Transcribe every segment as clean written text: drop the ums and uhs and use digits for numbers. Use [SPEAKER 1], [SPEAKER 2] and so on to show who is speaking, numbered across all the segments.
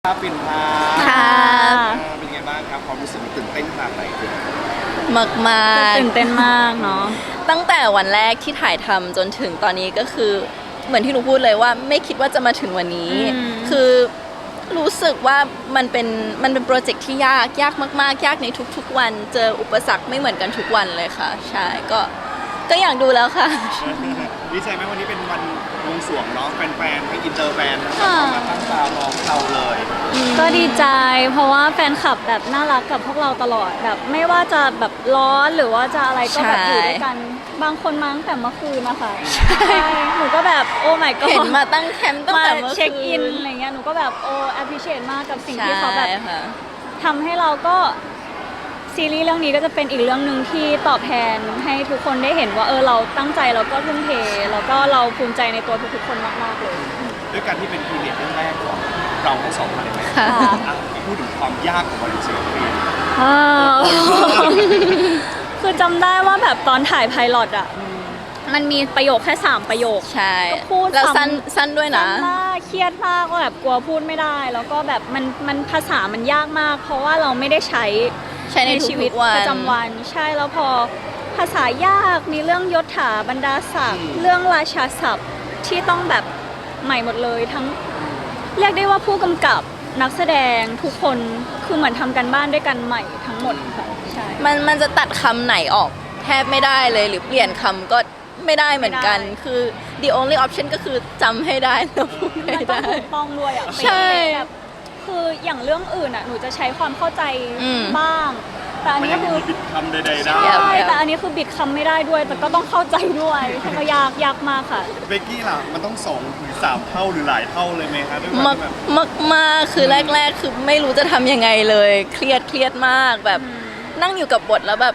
[SPEAKER 1] ครับปิ่นพา
[SPEAKER 2] ค่ะ
[SPEAKER 1] เป็นไงบ้างครับความรู้สึกมันตื่นเต้นขนาดไหนคือ
[SPEAKER 2] มาก
[SPEAKER 3] ตื่นเต้นมากเนาะ
[SPEAKER 2] ตั้งแต่วันแรกที่ถ่ายทำจนถึงตอนนี้ก็คือเหมือนที่หนูพูดเลยว่าไม่คิดว่าจะมาถึงวันนี้ คือรู้สึกว่ามันเป็นโปรเจกต์ที่ยากมากๆยากในทุกๆวันเจออุปสรรคไม่เหมือนกันทุกวันเลยค่ะใช่ก็อยากดูแล้วค่ะ
[SPEAKER 1] ดีใจไหมวันนี้เป็นวันวงสรวงเนาะแฟนๆให้อินเตอร์แฟนนะครับมาตั้งตารอเราเลย
[SPEAKER 3] ก็ดีใจเพราะว่าแฟนคลับแบบน่ารักกับพวกเราตลอดแบบไม่ว่าจะแบบร้อนหรือว่าจะอะไรก็แบบอยู่ด้วยกันบางคนมาตั้งแต่เมื่อคืนนะคะใช่หนูก็แบบโอ้ my god
[SPEAKER 2] เห็นมาตั้งแคมป์ตั้ง
[SPEAKER 3] มา
[SPEAKER 2] แต่เมื่อคืน
[SPEAKER 3] เช็คอินอะไรเงี้ยหนูก็แบบโอ้ appreciate มากกับสิ่งที่เขาแบบ
[SPEAKER 2] ใช่ค่ะ
[SPEAKER 3] ทำให้เราก็ซีรีส์เรื่องนี้ก็จะเป็นอีกเรื่องหนึ่งที่ตอบแทนให้ทุกคนได้เห็นว่าเราตั้งใจแล้วก็ทุ่มเทแล้วก็เราภูมิใจในตัวทุกๆคนมากๆเลย
[SPEAKER 1] ด้วยการที่เป็นพีเรียดเรื่องแรกของเราทั้งสองคนเลยไหม
[SPEAKER 2] ค่ะ
[SPEAKER 1] พูดถึงความยากของวันศิลปิน
[SPEAKER 3] คือจำได้ว่าแบบตอนถ่ายไพลอตอ่ะมันมีประโยคแค่3ประโยค
[SPEAKER 2] ใช่
[SPEAKER 3] ก็พูด
[SPEAKER 2] แล้ว
[SPEAKER 3] ซ้ำ
[SPEAKER 2] สั้นด้วยนะ
[SPEAKER 3] สั้นมากเครียดมากว่าแบบกลัวพูดไม่ได้ แล้วก็แบบมันภาษามันยากมาก เพราะว่าเราไม่ได้ใช้
[SPEAKER 2] ใน
[SPEAKER 3] ชีวิต
[SPEAKER 2] ทุกๆวัน
[SPEAKER 3] ประจำวันใช่แล้วพอภาษายากมีเรื่องยศถาบรรดาศักดิ์เรื่องราชาศัพท์ที่ต้องแบบใหม่หมดเลยทั้งเรียกได้ว่าผู้กำกับนักแสดงทุกคนคือเหมือนทำกันบ้านด้วยกันใหม่ทั้งหมดค่ะใช่
[SPEAKER 2] มันจะตัดคำไหนออกแทบไม่ได้เลยหรือเปลี่ยนคำก็ไม่ได้เหมือนกัน
[SPEAKER 3] ไม่ได้
[SPEAKER 2] คือ the only option ก็คือจำให้ได้แล้วพูด
[SPEAKER 3] มัน
[SPEAKER 2] ให้
[SPEAKER 3] ต้อง
[SPEAKER 2] ได้
[SPEAKER 3] ถูกต้องด้วยอ่ะ
[SPEAKER 2] ใช่
[SPEAKER 3] แบบคืออย่างเรื่องอื่นอ่ะหนูจะใช้ความเข้าใจ
[SPEAKER 2] อืม
[SPEAKER 3] บ้าง แต่อัน
[SPEAKER 1] มัน
[SPEAKER 3] นี้
[SPEAKER 1] ยัง
[SPEAKER 3] คือ
[SPEAKER 1] มีบิดคำใดๆได้
[SPEAKER 3] ใช่แต่อันนี้คือบิดคำไม่ได้ด้วย แต่ก็ต้องเข้าใจด้วยก็ยากมากค่ะ
[SPEAKER 1] เบกกี้ล่ะมันต้อง2 หรือ 3 เท่าหรือหลายเท่าเลยไหมคะด้วยความ
[SPEAKER 2] มาก
[SPEAKER 1] ที่แบบ
[SPEAKER 2] มากคือแรกคือไม่รู้จะทำยังไงเลยเครียดมากแบบนั่งอยู่กับบทแล้วแบบ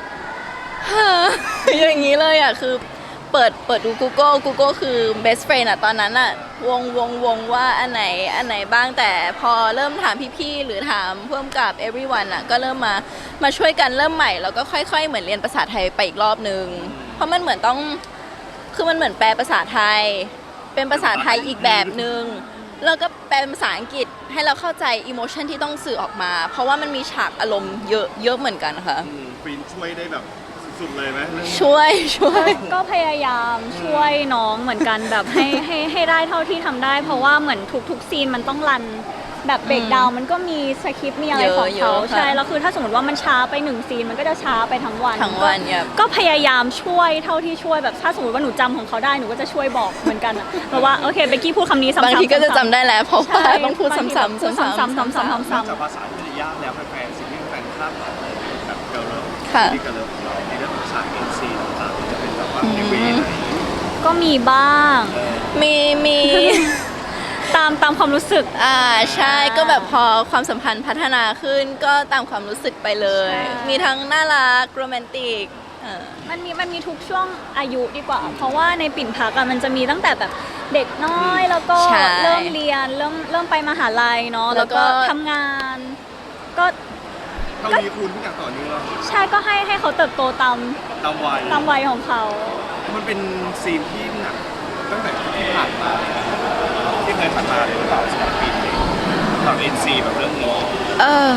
[SPEAKER 2] อย่างนี้เลยอ่ะคือเปิดดู Google คือ best friend อ่ะตอนนั้นอ่ะวงว่าอันไหนบ้างแต่พอเริ่มถามพี่ๆหรือถามเพิ่มกับ everyone อ่ะก็เริ่มมาช่วยกันเริ่มใหม่แล้วก็ค่อยๆเหมือนเรียนภาษาไทยไปอีกรอบนึงเพราะมันเหมือนต้องคือมันเหมือนแปลภาษาไทยเป็นภาษาไทยอีกแบบนึงแล้วก็แปลเป็นภาษาอังกฤษให้เราเข้าใจ emotion ที่ต้องสื่อออกมา เพราะว่ามันมีฉากอารมณ์เยอะเหมือนกันค่ะ
[SPEAKER 1] ฟินช่วยได้แบบสุดๆเลยไหมเรื่องนี้
[SPEAKER 2] ช่วย
[SPEAKER 3] ก็พยายามช่วยน้องเหมือนกันแบบให้ได้เท่าที่ทำได้ เพราะว่าเหมือนทุกซีนมันต้องรันแบบเบรกดาวน์มันก็มีสคริปต์มีอะไรของเขา
[SPEAKER 2] เยอะค่ะ
[SPEAKER 3] ใช่แล้วคือถ้าสมมติว่ามันช้าไป1ซีนมันก็จะช้าไปทั้งวัน
[SPEAKER 2] ทั้งวันเนี่ย
[SPEAKER 3] ก็พยายามช่วยเท่าที่ช่วยแบบถ้าสมมติว่าหนูจำของเขาได้หนูก็จะช่วยบอกเหมือนกันอะเพราะว่าโอเคเบกกี้พูดคำนี้ซ้ำๆ
[SPEAKER 2] บางทีก็จะจำได้แล้วเพราะว่า
[SPEAKER 3] ใช่
[SPEAKER 2] ต้องพูดซ้ำๆ
[SPEAKER 3] บางทีแบบพูดซ้ำๆ
[SPEAKER 1] นอก
[SPEAKER 3] ซ้ำ
[SPEAKER 1] จากภาษาที่จะยากแล้วแฟนๆสิ่งที่แฟนคาดหวังแบบเกิร์ลเลิฟ
[SPEAKER 2] ค่ะ
[SPEAKER 1] ที่เกิร์ลเลิฟของเราในเรื่องของฉาก NC ต่างๆจะเป็นแบบว่าในเวไหน
[SPEAKER 3] ๆก็มีบ้าง
[SPEAKER 2] มี
[SPEAKER 3] ตามความรู้สึก
[SPEAKER 2] ใช่ก็แบบพอความสัมพันธ์พัฒนาขึ้นก็ตามความรู้สึกไปเลย
[SPEAKER 3] ใช่
[SPEAKER 2] มีทั้งน่ารักโรแมนติก
[SPEAKER 3] มันมีทุกช่วงอายุดีกว่า เพราะว่าในปิ่นพักอะมันจะมีตั้งแต่แบบเด็กน้อยแล้วก็
[SPEAKER 2] ใช่
[SPEAKER 3] เริ่มเรียนเริ่มไปมหาลัยเนาะ
[SPEAKER 2] แล้
[SPEAKER 3] แล้ว ว
[SPEAKER 2] ก็
[SPEAKER 3] ก็ทำงาน ก็
[SPEAKER 1] เท่านี้คุณทุกอย่างต่อเนื่อง
[SPEAKER 3] ใช่ก็ให้เขาเติบโตตาม
[SPEAKER 1] ตามวัย
[SPEAKER 3] วัยของเขา
[SPEAKER 1] มันเป็นซีนที่หนักตั้งแต่ที่ผ่านมาเลยนะที่เคยผ่านมาเลยหรือเปล่าสำหรับปีนี้สำหรับ NC แบบเรื่องนี้
[SPEAKER 2] เออ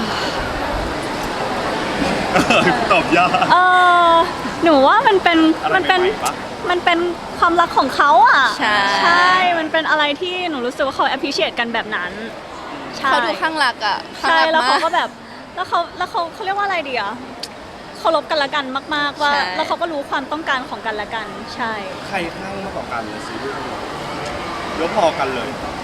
[SPEAKER 1] ตอบยาก
[SPEAKER 3] เออหนูว่ามันเป็น
[SPEAKER 1] อะไร
[SPEAKER 3] มันเป็น
[SPEAKER 1] ใหม่ๆปะ
[SPEAKER 3] มันเป็นความรักของเขาอ่ะ
[SPEAKER 2] ใช่
[SPEAKER 3] มันเป็นอะไรที่หนูรู้สึกว่าเขา appreciate กันแบบนั้นใช่
[SPEAKER 2] เขาดูข้างรักอ่ะข้าง
[SPEAKER 3] ใช่
[SPEAKER 2] รัก
[SPEAKER 3] แล้วเขา
[SPEAKER 2] มาก
[SPEAKER 3] ก็แบบแล้วเขาเรียกว่าอะไรดีอะเคารพกันละกันมาก ๆว่า
[SPEAKER 2] ใช่
[SPEAKER 3] แล้วเขาก็รู้ความต้องการของกันละกันใช่
[SPEAKER 1] ใครข้างมากกว่ากันเลยซีรีส์ยกพอกันเลย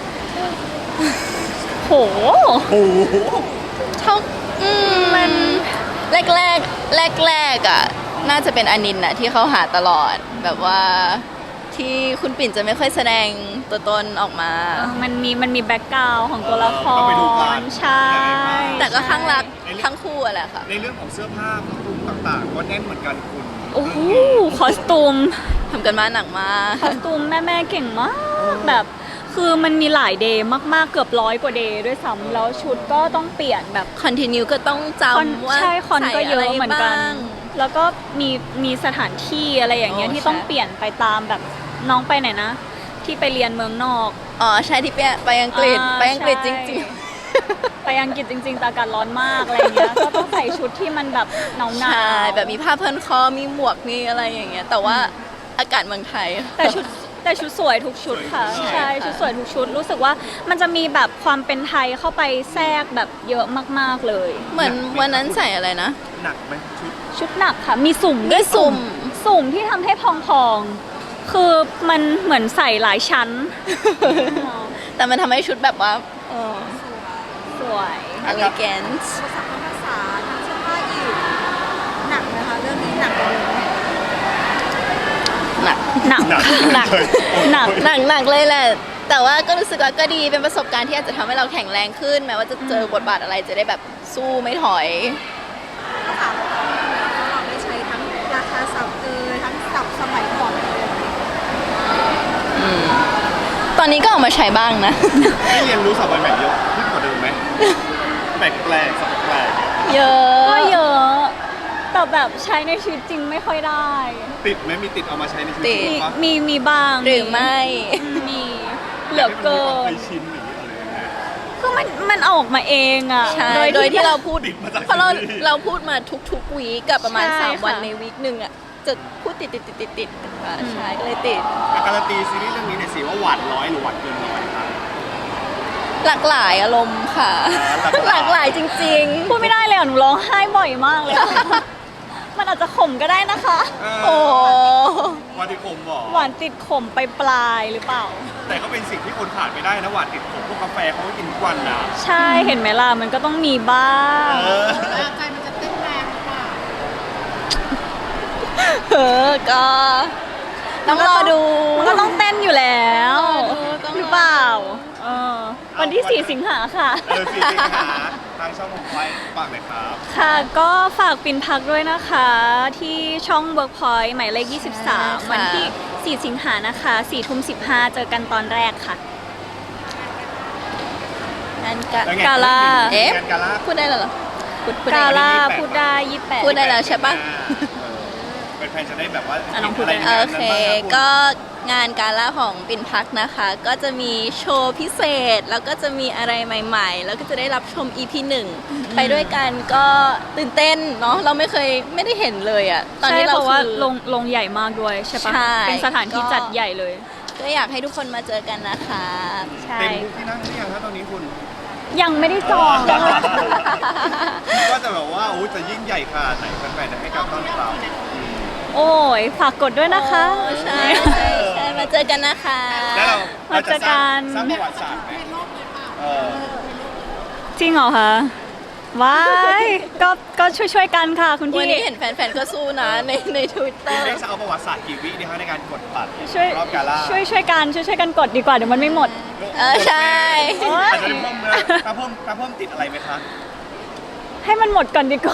[SPEAKER 3] โห
[SPEAKER 1] โอ้โห
[SPEAKER 2] เท่ามันแรกอ่ะน่าจะเป็นอนินท์น่ะที่เขาหาตลอดแบบว่าที่คุณปิ่นจะไม่ค่อยแสดงตัวตนออกมา
[SPEAKER 3] มันมีแบ็กกราวด์ของตัวละค
[SPEAKER 1] ต้องไปดูกั
[SPEAKER 3] ร
[SPEAKER 1] น
[SPEAKER 3] ใช่
[SPEAKER 2] แต่ก็ข้างรัก
[SPEAKER 1] ใช่
[SPEAKER 2] ทั้งคู่อะแหละค่ะ
[SPEAKER 1] ในเรื่องของเสื้อผ้าผ้าคลุมต่างๆก็แน่นเหมือนกันคุณ
[SPEAKER 3] โอ้โหคอสตูม
[SPEAKER 2] ทำกันมาหนักมาก
[SPEAKER 3] คอสตูมแม่เก่งมากแบบคือมันมีหลายเดย์มากๆเกือบ100 กว่าเดย์ด้วยซ้ำแล้วชุดก็ต้องเปลี่ยนแบบ
[SPEAKER 2] คอนติเนียก็ต้องจำว่า
[SPEAKER 3] ใช่คอนก็เยอะ
[SPEAKER 2] ใส่ไร
[SPEAKER 3] เหมือนกัน
[SPEAKER 2] บ้าง
[SPEAKER 3] แล้วก็มีสถานที่อะไรอย่างเงี้ย
[SPEAKER 2] โอ้
[SPEAKER 3] ที่ต้อง
[SPEAKER 2] ใช่
[SPEAKER 3] เปลี่ยนไปตามแบบน้องไปไหนนะ ที่ไปเรียนเมืองนอก
[SPEAKER 2] อ๋อใช่ที่ไปอังกฤษ
[SPEAKER 3] อ่า
[SPEAKER 2] ไปอังกฤษจ
[SPEAKER 3] ใช่
[SPEAKER 2] ริง
[SPEAKER 3] ไปอังกฤษจริงๆแต่อากาศร้อนมากอะไรเงี้ยก็ต้องใส่ชุดที่มันแบบหนาว
[SPEAKER 2] ใช่แบบมีผ้าพันคอมีหมวกมีอะไรอย่างเงี้ยแต่ว่าอากาศเมืองไทย
[SPEAKER 3] แต่ชุดสวยทุกชุดค่ะ ใช่ชุดสวยทุกชุดรู้สึกว่ามันจะมีแบบความเป็นไทยเข้าไปแทรกแบบเยอะมากๆเลย
[SPEAKER 2] เหมือนวันนั้นใส่อะไรนะ
[SPEAKER 1] หนักไหมชุด
[SPEAKER 3] ชุดหนักค่ะ มีสุ่มด้วย
[SPEAKER 2] มีสุ่ม
[SPEAKER 3] สุ่มที่ทำให้พองๆคือมันเหมือนใส่หลายชั้น
[SPEAKER 2] แต่มันทำให้ชุดแบบว่า
[SPEAKER 3] สวย
[SPEAKER 2] elegant
[SPEAKER 4] ภาษาภาษาทางเสื้อผ้าอีกหนักนะคะเรื่องนี้หนักกว่าเดิมไหม
[SPEAKER 2] หนัก
[SPEAKER 3] หนัก
[SPEAKER 2] หนัก
[SPEAKER 3] หนัก
[SPEAKER 2] หนักเลยแหละ แต่ว่าก็รู้สึกว่าก็ดีเป็นประสบการณ์ที่อาจจะทำให้เราแข็งแรงขึ้น แม้ว่าจะเจอบทบาทอะไรจะได้แบบสู้ไม่ถอย
[SPEAKER 4] ภาษาเราได้ใช้ทั้งราคาศัพท์ทั้งศัพท์สมัยก่อนเลย
[SPEAKER 2] ตอนนี้ก็เอามาใช้บ้างนะ
[SPEAKER 1] ได้เรียนรู้ศัพท์ใหม่ๆเยอะขึ้นกว่าเดิมไหมแปลกๆศัพท์แปลก
[SPEAKER 2] เยอะ
[SPEAKER 3] ก็เยอะแต่แบบใช้ในชีวิตจริงไม่ค่อยได้
[SPEAKER 1] ติดไหมมีติดเอามาใช้ในชีวิตจริงปะ
[SPEAKER 3] มีบ้าง
[SPEAKER 2] หรือไม่
[SPEAKER 3] มีเหลือเกิ
[SPEAKER 1] ให้มันมีความเค
[SPEAKER 3] น
[SPEAKER 1] ยชินอย่างนี้อะไรอย่างเงี้ย
[SPEAKER 3] คือมันออกมาเองอ่ะ
[SPEAKER 2] ใช่ โดยที่เราพูด
[SPEAKER 1] ติดมาจาก
[SPEAKER 2] เพราะเรา
[SPEAKER 1] ซีรีส์
[SPEAKER 2] เราพูดมาทุกวีคกับประมาณ
[SPEAKER 3] ใช่
[SPEAKER 2] 3 วัน
[SPEAKER 3] ค่ะ
[SPEAKER 2] ในวีคหนึ่งอ่ะ จะพูดติดใช่ก็เลยติด
[SPEAKER 1] การันตีซีรีส์เรื่องนี้เนี่ยสิว่าหวานร้อยหรือหวานเกินร้อยครับ
[SPEAKER 2] หลากหลายอารมณ์ค่ะ หลากหลายจริง
[SPEAKER 3] พูดไม่ได้เลยอ่ะหนูร้องไห้บ่อยมากเลยอะ มันอาจจะขมก็ได้นะคะ
[SPEAKER 2] ๆ โอ้
[SPEAKER 1] หวานติดขมบอก
[SPEAKER 3] หวานติดขมไปปลายหรือเปล่า
[SPEAKER 1] แต่ก็เป็นสิ่งที่คนขาดไม่ได้นะหวานติดขมพวกกาแฟเขาก็กินทุกวันนะ
[SPEAKER 3] ใช่เห็นไหมล่ะมันก็ต้องมีบ้าง
[SPEAKER 1] เออ
[SPEAKER 4] ใจมันจะเต้นแรงหรือเปล่า
[SPEAKER 2] ก็ต้องรอดู
[SPEAKER 3] มันก็ต้องเต้นอยู่แล้ว
[SPEAKER 2] ต้องรอดู
[SPEAKER 3] หรือเปล่าเออวันที่ 4 สิงหาค่ะ
[SPEAKER 1] สี่สิงหาทางช่องของไฟฝากหน่อยครับ
[SPEAKER 3] ค่ะก็ฝากปินพักด้วยนะคะ ที่ช่อง Workpoint หมายเลข 23 วันที่ 4 สิงหานะคะ4 ทุ่ม 15 เจอกันตอนแรกค่ะ
[SPEAKER 2] งาน
[SPEAKER 1] แล้วไง
[SPEAKER 3] กาล่า
[SPEAKER 2] เอ๊ะ
[SPEAKER 1] งานกาล่า
[SPEAKER 2] พูดได้แล้วเหรอพูดได้
[SPEAKER 3] กา
[SPEAKER 2] เหรอ
[SPEAKER 3] ล่า
[SPEAKER 1] 28
[SPEAKER 3] พูดได้ 28
[SPEAKER 2] พูดได้แล้วใช่ปะ
[SPEAKER 1] เป็นแฟนจะได้แบบว่า
[SPEAKER 3] อ่ะน้องพูด
[SPEAKER 1] อะไร
[SPEAKER 3] ได้
[SPEAKER 1] ใน
[SPEAKER 2] โอ
[SPEAKER 1] นั้น
[SPEAKER 2] เค
[SPEAKER 1] บ้างครับ
[SPEAKER 2] ก็งานกาล่าของปิ่นพักนะคะ ก็จะมีโชว์พิเศษ แล้วก็จะมีอะไรใหม่ๆ แล้วก็จะได้รับชม EP 1 ไปด้วยกันก็ตื่นเต้นเนาะเราไม่ได้เห็นเลยอะตอน
[SPEAKER 3] ใช่
[SPEAKER 2] นี้
[SPEAKER 3] เพ
[SPEAKER 2] เรา
[SPEAKER 3] ราะว่า
[SPEAKER 2] คือ
[SPEAKER 3] ลงใหญ่มากด้วยใช่ปะ
[SPEAKER 2] ใช่
[SPEAKER 3] เป็นสถานที่
[SPEAKER 2] ก็
[SPEAKER 3] จัดใหญ่เลย
[SPEAKER 2] ก็อยากให้ทุกคนมาเจอกันนะคะ
[SPEAKER 3] ใช่
[SPEAKER 1] เต็มทุกที่นั่งหรือยังครับตอนนี้คุณ
[SPEAKER 3] ยังไม่ได้จอง
[SPEAKER 1] ก็จะแบบว่าโอ้จะยิ่งใหญ่ขนาดไหนแฟนๆจะให้การต้อนรับ
[SPEAKER 3] โอ้ยฝากกดด้วยนะคะ
[SPEAKER 2] โอ้ใช่มาเจอกันนะคะ
[SPEAKER 1] แล้วเรา
[SPEAKER 3] มาเจอกัน
[SPEAKER 1] สร้างประวัติศาสตร์ไหมเออ
[SPEAKER 3] จริงเหรอคะว้ายก็ช่วยกันค่ะคุณ
[SPEAKER 2] วัน
[SPEAKER 3] พี่
[SPEAKER 2] นี้เห็นแฟนๆก็สู้นะในทวิตเตอ
[SPEAKER 1] คุณ
[SPEAKER 2] ร์
[SPEAKER 1] เล็กจะเอาประวัติศาสตร์กี่วิดีคะในการกดบัตร
[SPEAKER 3] ช่วย
[SPEAKER 1] รอบกาล่า
[SPEAKER 3] ช่วยกันกดดีกว่าเดี๋ยวมันไม่หมด
[SPEAKER 2] ใช่
[SPEAKER 1] อาจจะเพิ่มนะถ้าเพิ่มติดอะไรไหมคะ
[SPEAKER 3] ให้มันหมดก่อนดีกว่า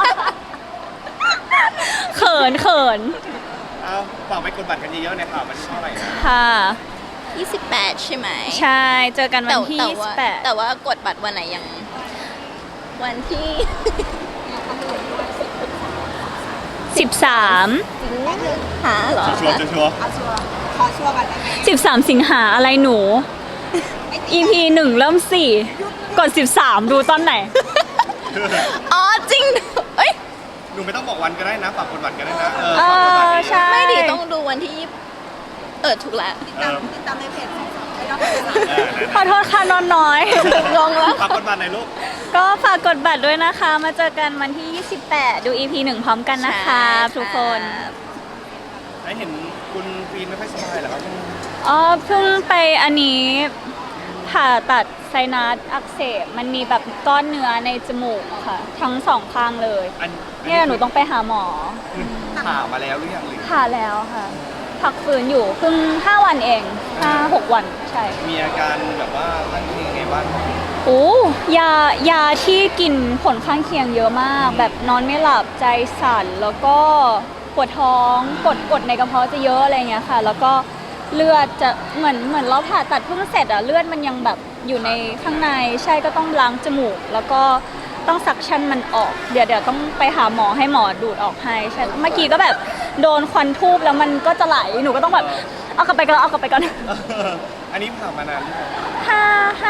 [SPEAKER 3] เขิน
[SPEAKER 1] เอาฝากไปกดบัตรกันเยอะๆนะครับมันเท่าไหร่นะ
[SPEAKER 3] ค่ะ
[SPEAKER 2] 28 ใช่ไหม
[SPEAKER 3] ใช่ เจอกันวันที่
[SPEAKER 2] แต่ว่ากดบัตรวันไหนยัง วันที่
[SPEAKER 3] 28 13
[SPEAKER 2] หาเหรอ
[SPEAKER 1] ชัวร์ๆชัวร์
[SPEAKER 4] เอาชัวร์ขอชัวร์กันได้ไหม
[SPEAKER 3] 13 สิงหาอะไรหนู EP 1 เริ่ม 4 กด 13 ดูตอนไหน
[SPEAKER 1] ๆ
[SPEAKER 2] อ๋อจริง เอ้ย
[SPEAKER 1] หนูไม่ต้องบอกวันก็ได้นะฝากกดบัตรก็ได้นะ
[SPEAKER 3] เออ
[SPEAKER 1] ฝากกดบัตรเยอะๆ
[SPEAKER 3] ใช่
[SPEAKER 2] ไม่ดีต้องดูวันที่ถูกแล้ว
[SPEAKER 4] ติดตามในเพจของไอ้ดอก
[SPEAKER 3] ขอโทษค่ะนอนน้อย
[SPEAKER 2] งงแล้ว
[SPEAKER 1] ฝากกดบัตรในอยลูก
[SPEAKER 3] ก็ฝากกดบัตรด้วยนะคะ มาเจอกันวันที่ 28 ดู EP 1 พร้อมกันนะคะ ทุกคน
[SPEAKER 1] ได้เห็นคุณฟีนไม่ค่อยสบายเหรอครับ
[SPEAKER 3] อ๋อเพิ่งไปอันนี้ผ่าตัดไซนัสอักเสบมันมีแบบก้อนเนื้อในจมูกค่ะ ทั้งสองข้างเลย เนี่ยหนูต้องไปหาหมอ
[SPEAKER 1] ผ่ามาแล้วหรือยังหรือ
[SPEAKER 3] ผ่าแล้วค่ะ พักฟื้นอยู่เพิ่ง5 วันเอง 5-6 วันใช่
[SPEAKER 1] มีอาการแบบว่าข้างเคียงยังไงบ้าง
[SPEAKER 3] โอ้ยาที่กินผลข้างเคียงเยอะมาก แบบนอนไม่หลับใจสั่นแล้วก็ปวดท้องกดในกระเพาะจะเยอะอะไรเงี้ยค่ะ แล้วก็เลือดจะเหมือนเราผ่าตัดเพิ่งเสร็จอะเลือดมันยังแบบอยู่ในข้างในใช่ก็ต้องล้างจมูก แล้วก็ต้องซักชั่นมันออกเดี๋ยวต้องไปหาหมอให้หมอดูดออกให้ใช่เมื่อกี้ก็แบบโดนควันทูบแล้วมันก็จะไหลหนูก็ต้องแบบเอากลับไปก่อน
[SPEAKER 1] อันนี้ผ่ามานานหรือยัง
[SPEAKER 3] 5-6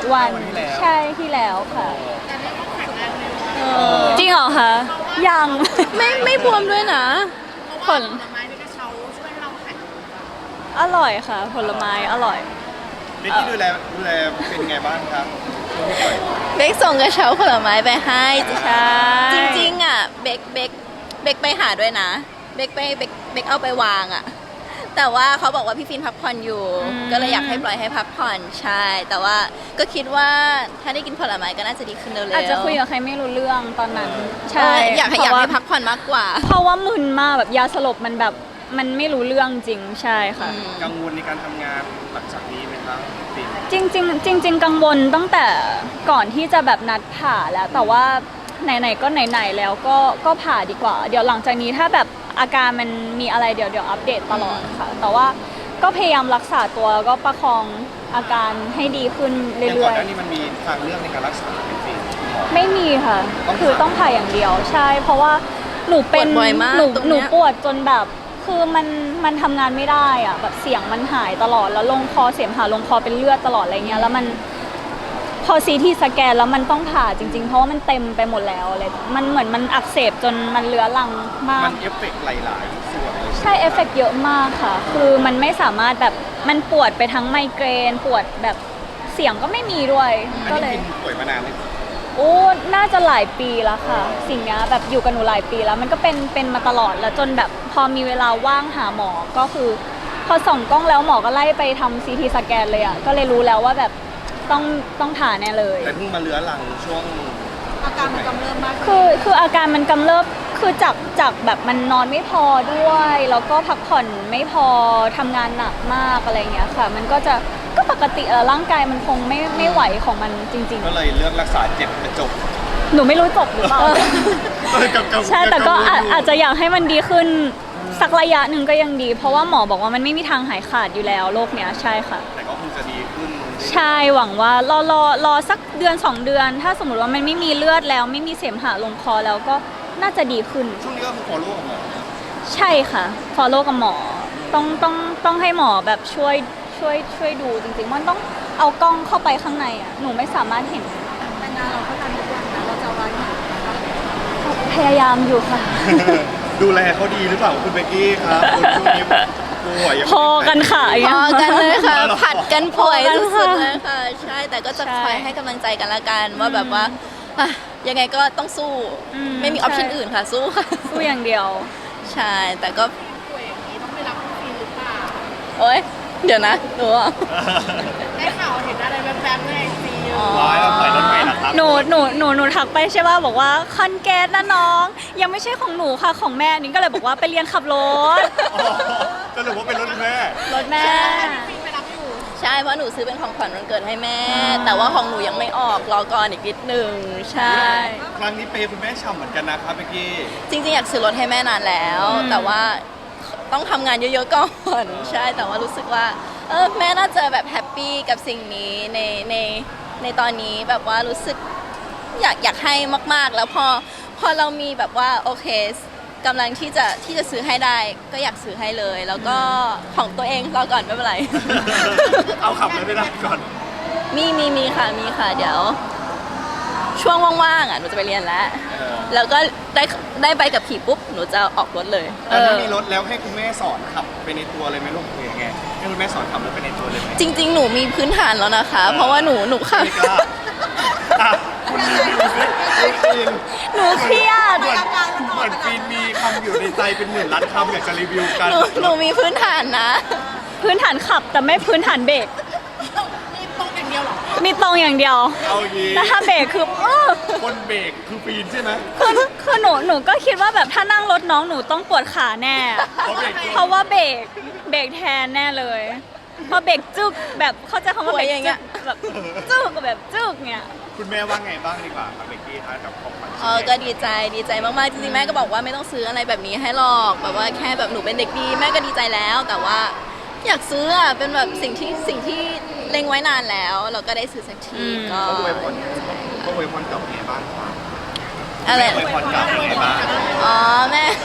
[SPEAKER 3] วัน
[SPEAKER 1] วันที่แล้ว
[SPEAKER 3] ใช่ที่แล้วค่ะ
[SPEAKER 4] แต่เรียกว่าแข็งแรงเลย
[SPEAKER 3] จริงเหรอคะยัง
[SPEAKER 2] ไม่บวมด้วยนะ
[SPEAKER 4] เพราะว่าผลไม้ในกระเช้าช่วยให้เราแข็ง
[SPEAKER 3] อร่อยค่ะ ผลไม้อร่อย
[SPEAKER 1] เบกกี้ดูแลเป็นไงบ้างครับช่วงที่ปล่อย
[SPEAKER 2] เบกส่งกระเช้าผลไม้ไปให้
[SPEAKER 3] ใช่
[SPEAKER 2] จริงๆอ่ะเบกไปหาด้วยนะเบกเอาไปวางอ่ะ แต่ว่าเขาบอกว่าพี่ฟินพักผ่อนอยู่ ก็เลยอยากให้ปล่อยให้พักผ่อนใช่ แต่ว่าก็คิดว่าถ้าได้กินผลไม้ก็น่าจะดีขึ้นเร็วๆ
[SPEAKER 3] อาจจะคุยกับใครไม่รู้เรื่องตอนนั้น ใช่
[SPEAKER 2] อยากให้พักผ่อนมากกว่า
[SPEAKER 3] เพราะว่ามึนมากแบบยาสลบมันแบบมันไม่รู้เรื่องจริงใช่ค่ะ
[SPEAKER 1] กังวลในการทำงานหลังจากนี้ไหมครับฟิน
[SPEAKER 3] จริงกังวลตั้งแต่ก่อนที่จะแบบนัดผ่าแล้ว แต่ว่าไหนๆก็ไหนๆแล้วก็ผ่าดีกว่า เดี๋ยวหลังจากนี้ถ้าแบบอาการมันมีอะไรเดี๋ยวอัปเดตตลอดค่ะ แต่ว่าก็พยายามรักษาตัวแล้วก็ประคองอาการให้ดีขึ้น
[SPEAKER 1] อย่างก่
[SPEAKER 3] เรื่
[SPEAKER 1] อ
[SPEAKER 3] อน ย
[SPEAKER 1] หน้านี้มันมีทางเลือกในการรักษาเป็นฟิน
[SPEAKER 3] ๆไม่มีค่ะ
[SPEAKER 1] ต้องผ่า
[SPEAKER 3] คือต้องผ่าอย่างเดียวใช่ เพราะว่าหนูเป็น
[SPEAKER 2] ปวดบ่อยมาก
[SPEAKER 3] หนู
[SPEAKER 2] ตรง
[SPEAKER 3] ห
[SPEAKER 2] เนี้
[SPEAKER 3] นู
[SPEAKER 2] ย
[SPEAKER 3] ปวดจนแบบคือมันทำงานไม่ได้อะแบบเสียงมันหายตลอดแล้วลงคอเสมหะลงคอเป็นเลือดตลอดอะไรเงี้ยแล้วมันพอซีทีสแกนแล้วมันต้องผ่าจริงๆ เพราะว่ามันเต็มไปหมดแล้วเลยมันเหมือนมันอักเสบจนมันเลื้อรังมาก
[SPEAKER 1] มันเอฟเฟกต์หลายๆส่วนเลย
[SPEAKER 3] ใช่เอฟเฟกต์เยอะมากค่ะ คือมันไม่สามารถแบบมันปวดไปทั้งไมเกรนปวดแบบเสียงก็ไม่มีด้วย
[SPEAKER 1] อัน
[SPEAKER 3] ก็
[SPEAKER 1] นี้
[SPEAKER 3] เลย
[SPEAKER 1] ฟินป่วยมานานเลย
[SPEAKER 3] โอ้น่าจะหลายปีแล้วค่ะ สิ่งเนี้ยแบบอยู่กับหนูหลายปีแล้ว มันก็เป็นมาตลอดแล้วจนแบบพอมีเวลาว่างหาหมอก็คือ พอส่องกล้องแล้วหมอก็ไล่ไปทำซีทีสแกนเลยอ่ะก็เลยรู้แล้วว่าแบบต้องผ่าแน่เลย
[SPEAKER 1] แต่เพิ่งมาเลื้อรังช่วง
[SPEAKER 4] อาการมันกำเริบมาก
[SPEAKER 3] คืออาการมันกำเริบคือจากแบบมันนอนไม่พอด้วย แล้วก็พักผ่อนไม่พอทำงานหนักมากอะไรเงี้ยค่ะ มันก็ปกติร่างกายมันคงไม่ไหวของมันจริง
[SPEAKER 1] ก็เลยเลือกรักษาเจ็บแต่จบ
[SPEAKER 3] ๆ หนูไม่รู้จบหรือเปล่า ใช่แต่ก็อาจจะอยากให้มันดีขึ้นสักระยะหนึ่งก็ยังดี เพราะว่าหมอบอกว่ามันไม่มีทางหายขาดอยู่แล้วโรคเนี้ยใช่ค่ะ
[SPEAKER 1] แต่ก็คงจะดีขึ้น
[SPEAKER 3] ใช่หวังว่ารอสักเดือน2 เดือน ถ้าสมมติว่ามันไม่มีเลือดแล้วไม่มีเสมหะลงคอแล้วก็น่าจะดีขึ้น
[SPEAKER 1] ช่วงนี้ก็คือ follow กับหมอ
[SPEAKER 3] ใช่ค่ะ follow กับหมอต้องให้หมอแบบช่วยดูจริงๆมันต้องเอากล้องเข้าไปข้างในอ่ะหนูไม่สามารถเห็น
[SPEAKER 4] แต่งานเราก็ทำทุกวันนะเราจะเอาไว้ไหนนะคะ
[SPEAKER 3] พยายามอยู่ค่ะ
[SPEAKER 1] ดูแลเขาดีหรือเปล่าคุณเบกกี้ครับคุณช่วงนี้ป่วยยัง
[SPEAKER 3] พอกันค่ะ
[SPEAKER 2] พอกันเลยค่ะ
[SPEAKER 1] อ๋อเหรอ
[SPEAKER 2] ผัดกันป่วย
[SPEAKER 3] พอกัน
[SPEAKER 2] สุ
[SPEAKER 3] ค่ะ
[SPEAKER 2] ดๆเลยค่ะ ใช่แต่ก็จะ
[SPEAKER 3] ใช่
[SPEAKER 2] คอยให้กำลังใจกันละกันว่าแบบว่าอ่ะยังไงก็ต้องสู้ ไม่มีออปชั่นอื่นค่ะ สู้ค่ะ
[SPEAKER 3] สู้อย่างเดียว
[SPEAKER 2] ใช่แต่ก็
[SPEAKER 4] ป่วยอย่างนี้ต้องไปรับวัคซีนหรือเปล่า
[SPEAKER 2] โอ๊ยเดี๋ยวนะหนูอ่ะ
[SPEAKER 4] ได้ข่าวเห็นอะไรแวบๆในไอจีเย
[SPEAKER 2] อ๋อ
[SPEAKER 4] อะ
[SPEAKER 1] ร้ายแล้วปล่อยรถใหม่นะครับ
[SPEAKER 3] หนูทักไปใช่ป่ะบอกว่าคอนแกสนะน้อง ยังไม่ใช่ของหนูค่ะของแม่นิ้งก็เลยบอกว่าไปเรียนขับรถ
[SPEAKER 1] อ๋อสรุปว่าเป็นรถแม่
[SPEAKER 3] รถแม่
[SPEAKER 4] ฟินไปรับอยู่
[SPEAKER 2] ใช่เพราะหนูซื้อเป็นของขวัญวันเกิดให้แม่ แต่ว่าของหนูยังไม่ออกรอก่อนอีกนิดหนึ่งใช่
[SPEAKER 1] ครั้งนี้เปย์คุณแม่ฉ่ำเหมือนกันนะครับเบกกี้
[SPEAKER 2] จริงๆอยากซื้อรถให้แม่นานแล้ว แต่ว่าต้องทำงานเยอะๆก่อนใช่แต่ว่ารู้สึกว่าแม่น่าจะแบบแฮปปี้กับสิ่งนี้ในตอนนี้แบบว่ารู้สึกอยากให้มากๆ แล้วพอเรามีแบบว่าโอเคกำลังที่จะซื้อให้ได้ก็อยากซื้อให้เลย แล้วก็ของตัวเองรอก่อนไม่เป็นไร
[SPEAKER 1] เอาขับรถไม่ได้ก่อน
[SPEAKER 2] มีค่ะเดี๋ยว ช่วงว่างๆอ่ะหนูจะไปเรียนแล้ว แล้วก็ได้ใบกับขี่ปุ๊บหนูจะออกรถเลย
[SPEAKER 1] แล้วถ้ามีรถแล้วให้คุณแม่สอนขับไปในตัวเลยไหมลูกหรือยังไงให้คุณแม่สอนขับรถไปในตัวเลยไหม
[SPEAKER 2] จริง ๆ หนูมีพื้นฐานแล้วนะคะ เพราะว่าหนูขับ
[SPEAKER 1] ไม่กล้าอ่ะคุณรีวิวสิคุณฟิน
[SPEAKER 3] หนูเครียด
[SPEAKER 1] เหมือนฟินมีคำอยู่ในใจเป็นหมื่นล้านคำอยากจะรีวิวกัน
[SPEAKER 2] หนูมีพื้นฐานนะ
[SPEAKER 3] พื้นฐานขับแต่ไม่พื้นฐานเบรก
[SPEAKER 4] มีตรงอย่างเดียวเหรอ
[SPEAKER 3] มีตรงอย่างเดียว
[SPEAKER 1] เอายี
[SPEAKER 3] แต่ถ้าเบรกคือ
[SPEAKER 1] คนเบรกคือฟินใช่ไหม
[SPEAKER 3] คือหนูก็คิดว่าแบบถ้านั่งรถน้องหนูต้องปวดขาแน่
[SPEAKER 1] เพราะเบรก
[SPEAKER 3] เพราะว่าเบรกแทนแน่เลยพอเบรกจึกแบบเข้าใจคำว่าเบรก
[SPEAKER 2] ป่วยอย่างเงี้
[SPEAKER 3] จึ
[SPEAKER 2] ย
[SPEAKER 3] กแบบจึกแบบจึกเนี่ย
[SPEAKER 1] คุณแม่ว่าไงบ้างดีกว่าครับเบกกี้ครับกับของขวัญชิ้น
[SPEAKER 2] ก็ดีใจมากๆจริงๆแม่ก็บอกว่าไม่ต้องซื้ออะไรแบบนี้ให้หรอกแบบว่าแค่แบบหนูเป็นเด็กดีแม่ก็ดีใจแล้ว แต่ว่าอยากซื้ออ่ะเป็นแบบสิ่งที่เล็งไว้นานแล้ว เราก็ได้ซื้อสักทีก็
[SPEAKER 1] เขาอวยพรกับไงบ้างครับ
[SPEAKER 2] อะไร
[SPEAKER 1] แม่อวยพรกับยังไงบ้าง
[SPEAKER 2] อ๋อแม่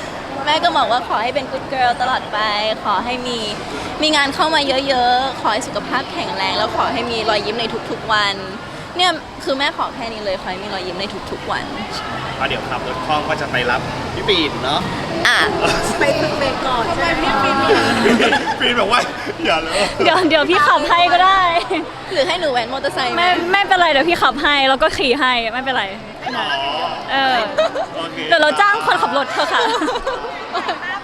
[SPEAKER 2] แม่ก็บอกว่าขอให้เป็น good girl ตลอดไป ขอให้มีงานเข้ามาเยอะๆ ขอให้สุขภาพแข็งแรง แล้วขอให้มีรอยยิ้มในทุกๆวัน เนี่ยคือแม่ขอแค่นี้เลย ขอให้มีรอยยิ้มในทุกๆวัน
[SPEAKER 1] เดี๋ยวขับรถคล่องก็จะไปรับพี่ปีนเนาะ
[SPEAKER 2] อ่ะ
[SPEAKER 4] ไปฝึกเบรกก่อนใช่ไหมพี่ปีน
[SPEAKER 1] ปีนบอกว่าอย่าเลย
[SPEAKER 3] เดี๋ยวพี่ขับให้ก็ได้
[SPEAKER 2] หรือให้หนูแว้นมอเตอร์ไซค์ไหม
[SPEAKER 3] ไม่เป็นไรเดี๋ยวพี่ขับให้แล้วก็ขี่ให้ไม่เป็นไร
[SPEAKER 1] อ๋อ
[SPEAKER 3] เออ
[SPEAKER 1] โอเค
[SPEAKER 3] เดี๋ยวเราจ้างคนขับรถเถอะค่ะ
[SPEAKER 4] ถ้า